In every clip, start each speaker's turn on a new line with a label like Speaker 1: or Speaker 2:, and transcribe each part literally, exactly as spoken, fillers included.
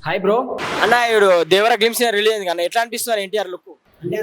Speaker 1: Hi bro అన్న ఇప్పుడు దేవర glimpse release అయింది కానీ ఎట్లా అనిపిస్తున్నారు ఎన్టీఆర్ లుక్ అంటే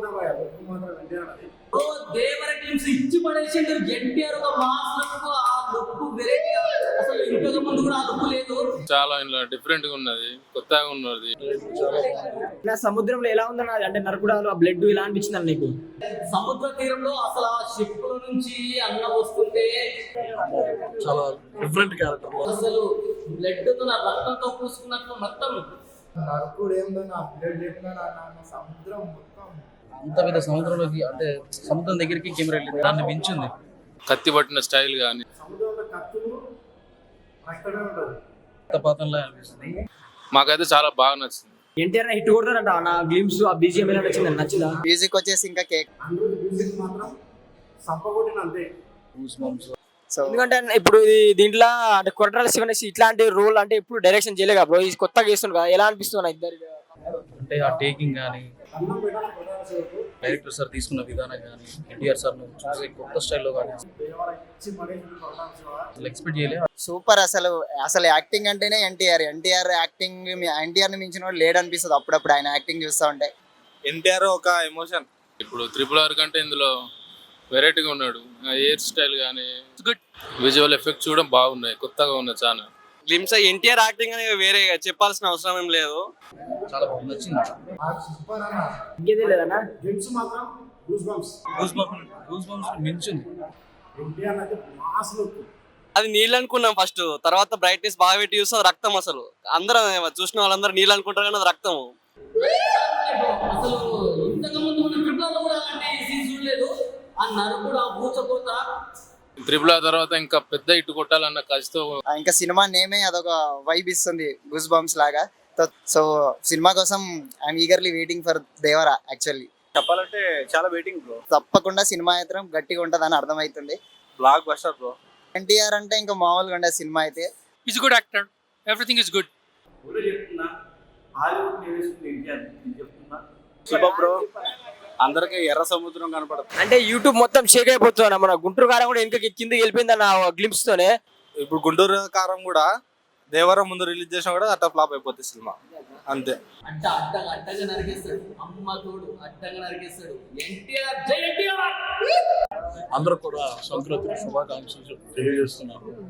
Speaker 2: ఓ దేవర గ్లిమ్స్ ఇచ్చి పడేసిండు ఎన్టీఆర్ ఒక మాస్ లుక్ ఆ లుక్ వెరైటీ అసలు ఇంతకు ముందు కూడా ఆ లుక్ లేదు
Speaker 3: చాలా ఇంట్లో డిఫరెంట్ గా ఉన్నది కొత్తగా ఉన్నది
Speaker 1: నా సముద్రంలో ఎలా ఉందన్న అంటే నరకుడాలు ఆ బ్లడ్ ఇలా అనిపించింది నీకు
Speaker 2: సముద్ర తీరంలో అసలు ఆ షిప్ నుంచి అన్న వస్తుంటే
Speaker 4: చాలా డిఫరెంట్ క్యారెక్టర్
Speaker 2: అసలు బ్లడ్ తో నా రక్తంతో పూసుకున్నట్లు మొత్తం
Speaker 5: నరకుడు ఏందో నా బ్లడ్ ఎట్లా నా సముద్రం మొత్తం
Speaker 4: అంత పెద్ద సముద్రంలోకి అంటే సముద్రం దగ్గరికి కెమెరా వెళ్ళింది దాన్ని మించింది
Speaker 3: కత్తి పట్టిన స్టైల్ గానీ
Speaker 5: సముద్రంలో కత్తులు అక్కడే ఉంటుంది
Speaker 4: పాతంలో అనిపిస్తుంది.
Speaker 3: మాకైతే చాలా బాగా నచ్చింది.
Speaker 1: ఎన్టీఆర్ హిట్ కొడతారంట నా గ్లిమ్స్ ఆ బీజిఎం ఎలా నచ్చింది నచ్చిందా
Speaker 6: మ్యూజిక్ వచ్చేసి ఇంకా కేక్
Speaker 5: అందరూ మ్యూజిక్ మాత్రం సంపగొట్టిన అంతే.
Speaker 6: సో
Speaker 1: ఎందుకంటే ఇప్పుడు ఇది దీంట్లో అంటే కొట్రాల శివనేసి ఇట్లాంటి రోల్ అంటే ఇప్పుడు డైరెక్షన్ చేయలేక బ్రో ఇది కొత్తగా చేస్తుంది కదా ఎలా అనిపిస్తుంది ఇద్దరు
Speaker 4: అంటే ఆ టేకింగ్ కానీ
Speaker 5: అన్నం పెట్టాలి కొట్టాలి సేపు
Speaker 4: డైరెక్టర్ సార్ తీసుకున్న విధానం కానీ ఎన్టీఆర్ సార్ చూసే కొత్త స్టైల్లో కానీ
Speaker 5: దేవర ఇచ్చి పడేసి కొట్టాలి శివ.
Speaker 4: అసలు ఎక్స్పెక్ట్ చేయలేదు.
Speaker 6: సూపర్ అసలు అసలు యాక్టింగ్ అంటేనే ఎన్టీఆర్ ఎన్టీఆర్ యాక్టింగ్ ఎన్టీఆర్ ని మించిన వాడు లేడు అనిపిస్తుంది అప్పుడప్పుడు ఆయన యాక్టింగ్ చూస్తూ ఉంటే.
Speaker 7: ఎన్టీఆర్ ఒక ఎమోషన్.
Speaker 3: ఇప్పుడు త్రిపుల్ ఆర్ కంటే ఇందులో వెరైటీగా ఉన్నాడు. హెయిర్ స్టైల్ కానీ గుడ్ విజువల్ ఎఫెక్ట్స్ కూడా బాగున్నాయి, కొత్తగా ఉన్నాయి చాలా.
Speaker 7: గ్లిమ్స్ ఎన్టీఆర్ యాక్టింగ్ అనేది వేరే చెప్పాల్సిన అవసరం ఏం లేదు.
Speaker 4: చాలా బాగా నచ్చింది.
Speaker 5: ఆ సూపర్ అన్న
Speaker 1: ఇంకేదే లేదన్నా
Speaker 5: డ్రింక్స్ మాత్రం goose bumps.
Speaker 4: Goose bumps goose bumps మించింది.
Speaker 5: ఎన్టీఆర్ అయితే మాస్ లుక్.
Speaker 7: అది నీళ్ళు అనుకున్నాం ఫస్ట్, తర్వాత బ్రైట్నెస్ బాగా పెట్టి చూస్తే రక్తం. అసలు అందరం చూసిన వాళ్ళందరూ నీళ్ళు అనుకుంటారు కానీ అది రక్తము.
Speaker 2: అసలు ఇంతకు ముందు మన ట్రిపుల్ కూడా అలాంటి సీన్ చూడలేదు. ఆ నరుకుడు ఆ బూచకోత
Speaker 3: త్రిపుల్ ఆర్ తర్వాత ఇంకా పెద్ద ఇటు కొట్టాలన్న కసితో
Speaker 6: ఆ ఇంకా సినిమా నేమే అదొక వైబ్ ఇస్తుంది గూస్ బంప్స్ లాగా. సో సినిమా కోసం I'm eagerly waiting for Devara. Actually
Speaker 7: చెప్పాలంటే చాలా వెయిటింగ్ బ్రో.
Speaker 6: తప్పకుండా సినిమా అయితే గట్టిగా ఉంటుందని అర్థమవుతుంది.
Speaker 7: Block buster bro.
Speaker 6: ఎన్టీఆర్ అంటే ఇంకా మామూలుగా ఉండే సినిమా అయితే.
Speaker 8: He's a good actor. Everything is good.
Speaker 7: Super bro. అందరికి ఎర్ర సముద్రం కనపడుతుంది.
Speaker 1: అంటే యూట్యూబ్ మొత్తం షేక్ అయిపోతుంది మన గుంటూరు కారం కూడా ఇంకా కిందకి వెళ్ళిపోయింది అన్న గ్లిమ్స్ తోనే.
Speaker 7: ఇప్పుడు గుంటూరు కారం కూడా దేవరం ముందు రిలీజ్ చేసినా కూడా అట్లా ఫ్లాప్ అయిపోతుంది సినిమా అంతే.
Speaker 2: అడ్డ అడ్డగా అడ్డగా నరికేస్తాడు. అమ్మ తోడు అడ్డగా నరికేస్తాడు. ఎన్టీఆర్ జై ఎన్టీఆర్.
Speaker 4: అందరూ కూడా సంక్రాంతి శుభాకాంక్షలు తెలియజేస్తున్నారు.